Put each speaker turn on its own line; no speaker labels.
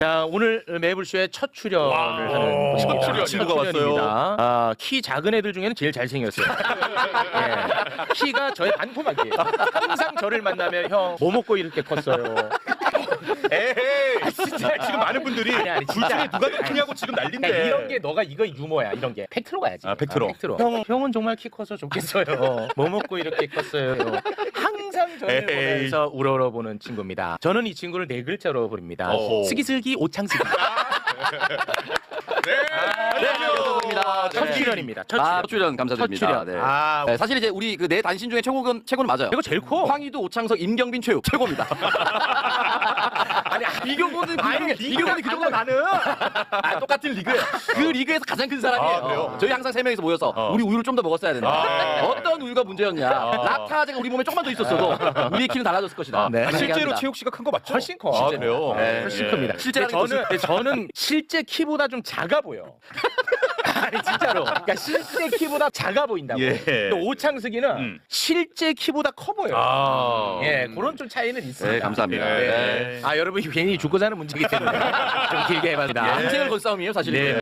자, 오늘 매불쇼의 첫 출연을 하는
첫 친구가 왔어요.
아, 키 작은 애들 중에는 제일 잘생겼어요. 예. 키가 저의 반토막이에요. 항상 저를 만나면 형 뭐 먹고 이렇게 컸어요.
에이, 진짜 지금 많은 분들이
아니,
둘 중에 누가 더 크냐고 지금 난린데.
그러니까 이런 게 너가 이거 유머야. 이런 게 팩트로 가야지.
아, 팩트로.
형은 정말 키 커서 좋겠어요. 뭐 먹고 이렇게 컸어요. 항상 저를
에이.
보면서 우러러보는 친구입니다. 저는 이 친구를 네 글자로 부릅니다.
어허.
슬기슬기 오창슬기.
네,
반갑습니다.
첫 출연입니다. 첫
첫
출연.
출연 감사드립니다.
첫 출연.
네.
아,
네, 사실 이제 우리 그 네 단신 중에 최고는 맞아요.
이거 제일 커.
황희도, 오창석, 임경빈, 최고입니다. 아니 비교보는 비교보는 그 정도 나는 똑같은 리그예요. 그 리그에서 가장 큰 사람이에요.
아, 그래요?
저희 항상 세 명이서 모여서 우리 우유를 좀 더 먹었어야 된다.
아.
어떤 우유가 문제였냐? 라타제가 우리 몸에 조금만 더 있었어도 우리의 키는 달라졌을 것이다.
네.
아, 실제로
합니다.
최욱 씨가 큰 거 맞죠?
훨씬 커.
아,
실제로.
그래요?
네.
훨씬
예.
큽니다.
실제라는
저는 실제 키보다 좀 작아 보여. 아니 진짜로. 그러니까 실제 키보다 작아 보인다고.
예.
근데 오창석이는 실제 키보다 커 보여요.
아.
예, 그런 좀 차이는 있습니다.
네, 감사합니다.
예.
네.
아, 여러분 괜히 죽고 사는 문제이기 때문에 좀 길게 해봤습니다.
인생을 건 싸움이에요, 사실.
네.